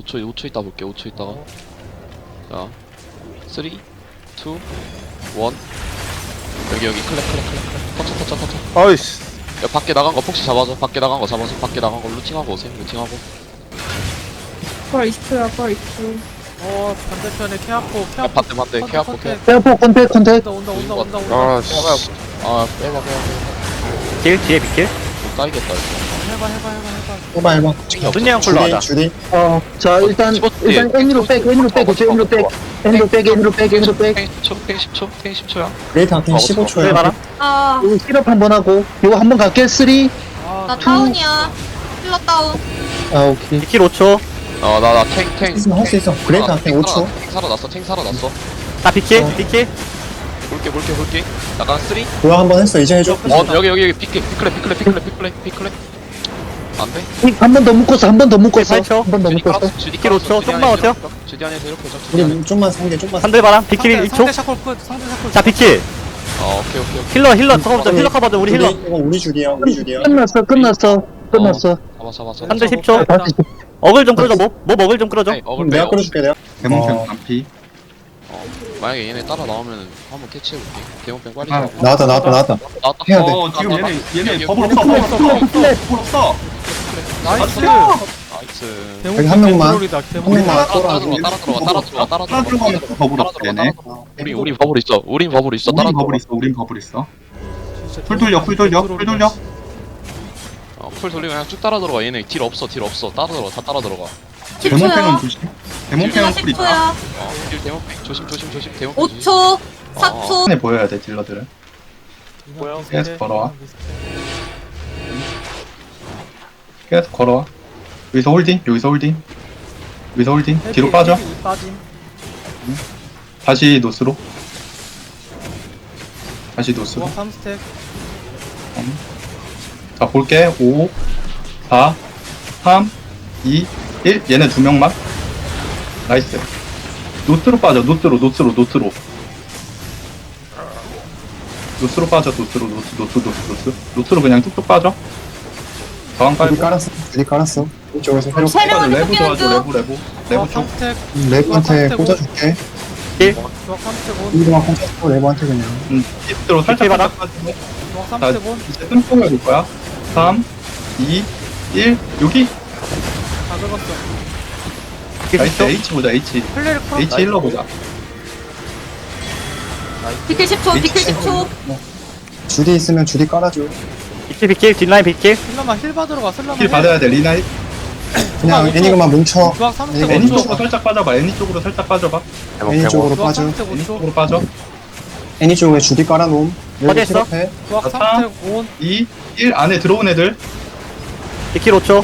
5초 있다 볼게. 5초 있다가. 자, 3, 2, 1. 여기 클랩. 터쳐. 아이씨. 야, 밖에 나간 거 폭시 잡아줘. 밖에 나간 거 루팅하고 오세요. 루팅하고. 펄 20초야, 펄 20초. 반대편에 케아포 야, 반대. 케아포. 페어포 컨택. 온다. 아씨. 아, 빼봐. 길 뒤에 비킬. 못 따이겠다, 이거. 해봐. 해봐. 준이 형 콜로 하자. 주디. 자, 일단 집어넣기. N으로 백. N으로 백. 탱 10초. 탱 10초야. 레이트 한탱 없어. 15초야. 봐라. 아, 이거 힐업 한번 하고, 이거 한번 갈게. 3. 나 다운이야. 힐러 다운. 오케이. 비킬 5초. 나 탱. 할 수 있어. 그레이트 한탱 5초. 탱 살아났어. 나 비킬. 비킬. 볼게. 약간 3. 도약 한번 했어. 이제 해줘. 여기 피클레. 안 돼? 한 번 더 묶었어. 한 번 더 묶었어. 8초. 한 번 더 묶었어. 주디 비킬 5초. 조금만 버텨. 주디 안에서 이렇게 해줘. 우리 좀만 상대, 좀만. 한들 봐라. 비킬 상대 1초. 샤콜 끝. 상대 샤콜. 자 비킬. 오케이. 힐러 커버부터. 힐러 커버죠. 우리 힐러. 이거 우리 줄이야. 끝났어. 잡아. 한들 10초. 다시 어글 좀 끌어줘. 뭐 어글 좀 끌어줘. 내가 끌어줄게, 내가. 대문평 반피. 만약에 얘네 따라 나오면 한번 캐치해볼게. 대문병 빨리 아, 잡아. 나왔다. 나왔다. 해야 돼. 지금 얘네 버블 없어. 나이스. 나이스. 여기 한 명만. 대물이다. 한 명만 따라 끌어줘. 들어가. 따라 들어가면서 버블 없어 얘네. 우린 버블 있어. 우린 버블 있어. 우린 버블 있어. 풀 돌려. 풀 돌리면 그냥 쭉 따라 들어가. 얘네 딜 없어. 따라 들어가. 다 따라 들어가. 대문평은 조심. 대문평은 풀 있다. 10초야. 딜 대문병 조심. 대문병 조심. 5초. 4초. 손에 보여야 돼 딜러들은. 계속 걸어와. 계속 걸어와. 여기서 홀딩. 뒤로 빠져. 빠짐. 다시 노스로. 조각 3스택. 자 볼게. 5 4 3 2 1. 얘네 두 명만. 나이스. 노스로 빠져. 노스로 빠져. 노스로 그냥 뚝뚝 빠져. 저항 줄이 깔고. 깔았어. 이쪽에서 회로. 세 명은 레브 쫓기는 도와줘. 중. 레브 쪽. 3스택. 레브한테 꽂아줄게. 조각 3스택 온. 이거만 꽂아주고 레브한테 그냥. 히트로 살짝 받아. 빠지고. 조각 자 3스택 온. 이제 뜸통을 볼 거야. 3 2 1 여기. 다 긁었어. 나이스. H 보자. H 플레이를 풀어. 힐러 보자. 비킬 10초. 비킬 10초. 줄이 있으면 줄이 깔아줘. 비킬. 뒷라인 비킬. 슬러만 힐 받으러 가. 슬러만 힐 받아야 돼. 리나 그냥 애니그만 뭉쳐. 조각 3스택 애니 5초. 쪽으로 살짝 빠져봐. 애니 쪽으로 살짝 빠져봐. 애니 쪽으로 조각 빠져. 3스택 애니 5초. 쪽으로 빠져. 애니 쪽에 줄이 깔아놓음. 여기 어디 있어? 힐업해. 조각 자, 3스택 온. 2 1 안에 들어온 애들. 비킬 5초.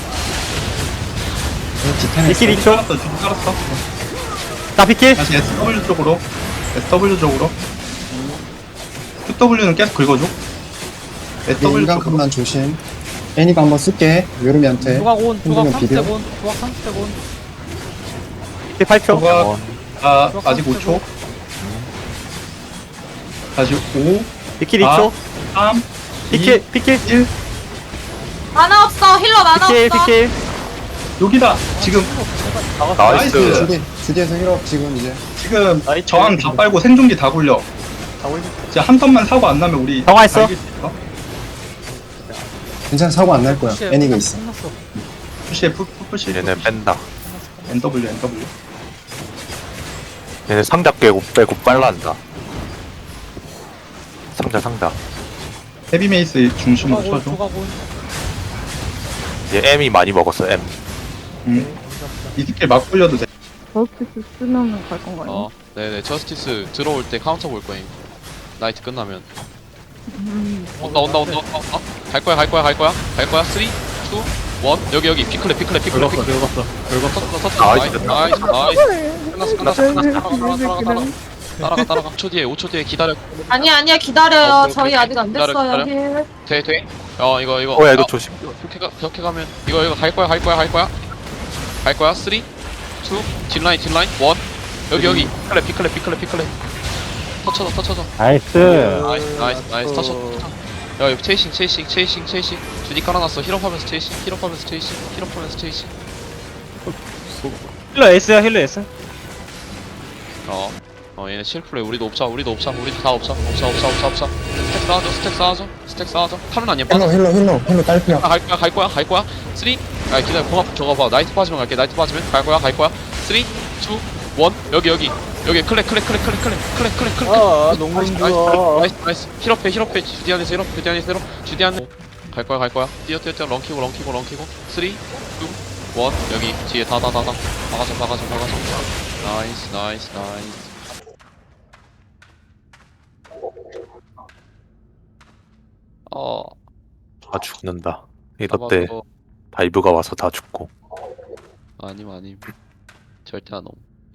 비킬 2초. 깔았어. 지금 깔았어. 나 비킬. 다시 SW 쪽으로. QW는 계속 긁어줘. SW 쪽으로. 인간큼만 조심. 애니가 한번 쓸게. 요르미한테. 조각 온. 조각 흔들면 3스택 비벼. 온. 조각 3스택 온. 비킬 8초. 조각 아직 5초. 다시 5 비킬 아. 2초. 3 비킬. 1 만화 없어. 힐러 만화 비킬. 없어. 비킬. 여기다. 지금 나이스. 주디에서 힐업 지금 이제. 지금 저항 다 빨고 생존기 다 굴려. 진짜 한 턴만 사고 안 나면 우리 정화했어. 다 이길 수 있어. 괜찮아, 사고 안 날 거야. 푸시해. 애니가 있어. 끝났어. 푸시해 푸시. 얘네 뺀다. NW. 얘네 상자 빼고 빨란다. 상자. 헤비 메이스 중심으로 조각 온. 쳐줘. 조각 온. 얘 M이 많이 먹었어. M. 이 스킬 막 굴려도 돼. 버스트 쓰면은 갈 건가요? 네네. 저스티스 들어올 때 카운터 볼 거임. 나이트 끝나면. 온다. 갈 거야. 3, 2, 1. 여기 피클레. 긁었어. 나이스. 끝났어. 따라가. 5초 뒤에 기다려. 아니야. 기다려요. 오케이. 저희 아직 안 기다려. 됐어요. 힐. 돼. 이거. 야 이거 조심. 벽해 가면 이거 갈 거야. 3, 2, 1. 여기. 피클레. 터쳐줘. 나이스. 나이스. 터쳐. 야, 여기 체이싱. 주디 깔아놨어. 힐업하면서 체이싱. 힐러 S야 힐러 S. 얘네 실플레 우리도 없자 우리도 다 없자 스택 쌓아줘 칼은 아니야 빠져 힐러 딸피야. 갈 거야 3 기다려 공합 저거 봐 나이트 빠지면 갈게 나이트 빠지면 갈 거야 3 2 1 여기 클렉 아 농구 좋아. 나이스 힐업해 주디안에서 갈 거야 뛰어 런키고 3 2 1 여기 뒤에 다 박아줘 나이스 다 죽는다. 이럴 때 다이브가 와서 다 죽고. 아님 절대 안 옴.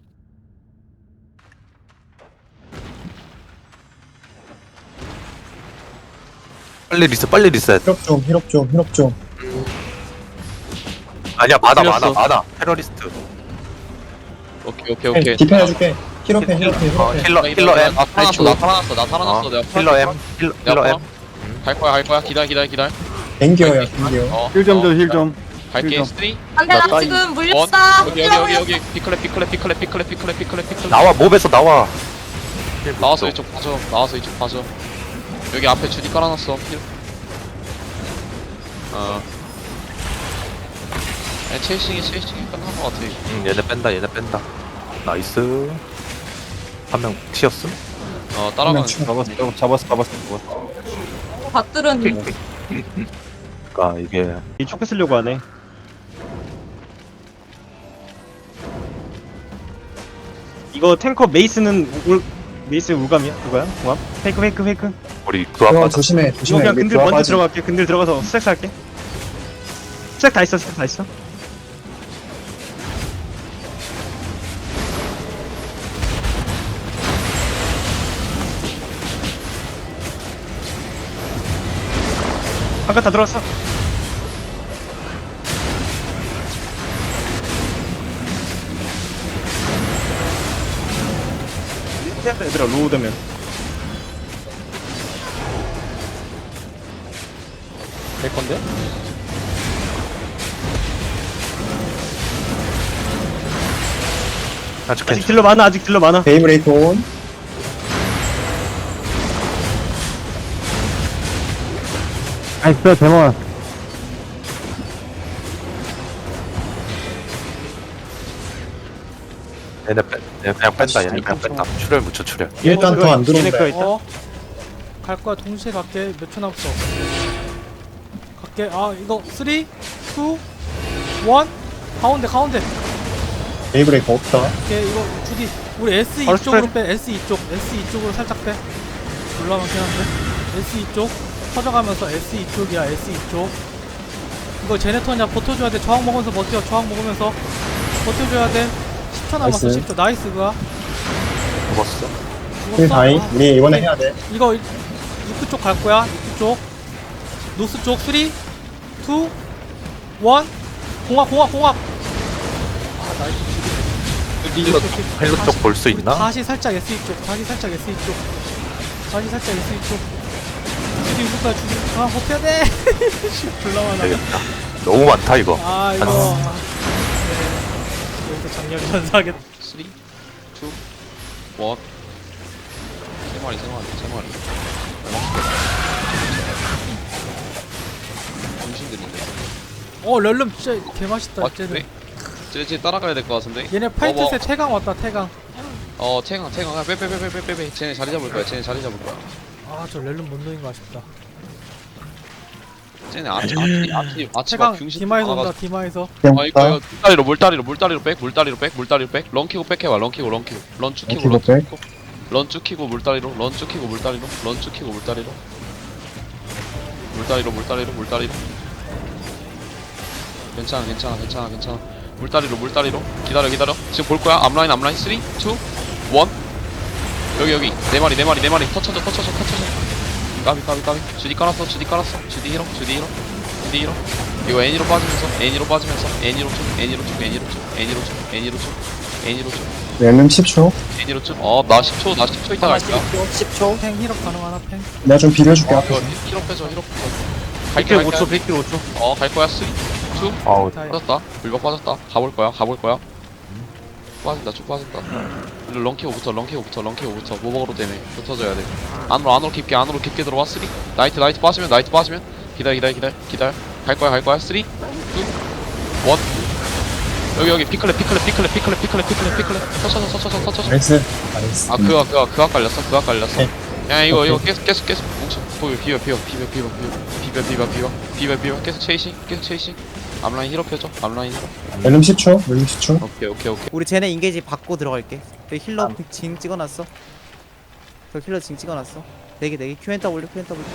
빨리 리셋. 힐업 좀. 아니야, 많아. 테러리스트. 오케이 디펜 해줄게. 힐업해. 힐러 M. 나 살아났어 내가 힐러 M. 힐러 M. 갈 거야 기다려 댕겨요. 힐 좀 줘, 힐 좀. 갈게 3 2 안돼 나 지금 물렸어. 여기 피클레 나와, 몹에서 나와. 나와서 이쪽 봐줘 여기 앞에 주디 깔아놨어 체이싱이 끝난 것 같아 얘네 뺀다. 나이스. 한 명 튀었음? 따라가는 잡았어. 밭들은 그니까 이게 이 초크 쓰려고 하네. 이거 탱커 메이스는 울감이야? 누가야? 공합? 페이크. 우리 그거 그거 아까 조심해. 이거 그냥 근들 그거 먼저 빠지. 들어갈게. 근들 들어가서 스택 살게. 스택 다 있어. 아까 다 들어갔어. 얘들아 로우 되면 될 건데? 아직 아직 딜러 많아. 베이브레이크 온. 나이스 데몬. 얘네 그냥 뺀다. 얘네 그냥 뺀다. 출혈 묻혀 출혈. 일단 더 안 들어온다. 얘네 거 있다. 갈 거야. 동시에 갈게. 몇 초 남았어. 갈게. 이거 3 2 1 가운데. 베이브레이크 없다. 오케이 이거 주디 우리 S 바로 이쪽으로 빼. S 이쪽으로 살짝 빼. 올라가긴 한데. S 이쪽 퍼져가면서 S 이쪽이야. S 이쪽. 이거 제네터냐 버텨줘야 돼. 저항 먹으면서 버텨. 저항 먹으면서 버텨줘야 돼. 10초 남았어. 나이스. 10초. 나이스 그가. 죽었어. 힐 다이. 우리 이번에 해야 돼. 이거 입구 쪽 갈 거야. 입구 쪽. 노스 쪽 3 2 1 공합. 나이스. 힐러 쪽 볼 수 우리 있나? 다시 살짝 S 이쪽. 주디 입을 거야. 주디. 버텨야 돼. 불러만 하네. 되겠다. 너무 많다 이거. 이거. 네. 여기서 장렬 전사하겠다. 3 2 1 세 마리 정신들인데 렐름 진짜 개맛있다. 쟤는. 쟤 따라가야 될 것 같은데 얘네 파이트세 태강 왔다. 태강. 태강 빼 쟤네 자리 잡을 거야 저 렐름 못 넣은 거 아쉽다. 쟤네 아치가 태강 병신 디마에서 온다. 나가서 디마에서. 이거 물다리로 백 런키고 백해봐 런키고 런 쭉 키고 물다리로 괜찮아 물다리로 기다려 지금 볼 거야 앞라인 3 2 1 여기 네 마리 터쳐줘 까비 주디 깔았어 주디 히로 이거 애니로 빠지면서 애니로 쭉 렐름 10초. 나 10초 있다 갈게요 10초. 팽 힐업 가능하나 팽? 내가 좀 비벼줄게. 이거 앞에서. 히로 빼줘 백킬 5초. 갈 거야 3 2 아우 빠졌다 물박 빠졌다 가볼 거야 쭉 빠진다. 런키고부터 모버로 때문에 붙어줘야 돼. 안으로 깊게 들어와. 3 나이트 빠지면 기다려. 갈 거야. 3 2 1 여기 피클랩 터쳐. 나이스. 나이스. 아 그가 깔렸어. 네. 야 이거 계속 뭉쳐. 비벼 계속 체이싱. 앞라인 힐업 해줘. 렐름 10초. 렐름 10초. 오케이. 우리 쟤네 인게이지 받고 들어갈게. 그 힐러 징 찍어놨어. 그 힐러 징 찍어놨어. 대기 QNW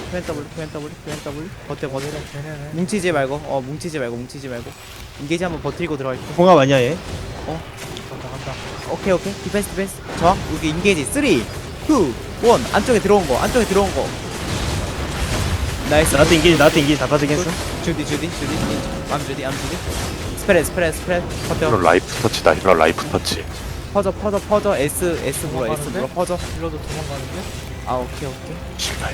버텨. 쟤네네. 뭉치지 말고 인게이지 한번 버티고 들어갈게. 공합 아니야 얘? 간다. 오케이 디펜스 저항 여기 인게이지 3 2 1 안쪽에 들어온 거 나이스. 나한테 인기지 다 빠지게 했어. 주디 암 주디 스프레드 힐러 버텨. 라이프 터치다. 힐러 라이프 터치. 퍼져 S 물어 퍼져. 힐러도 도망가는데? 아 오케이 씨발.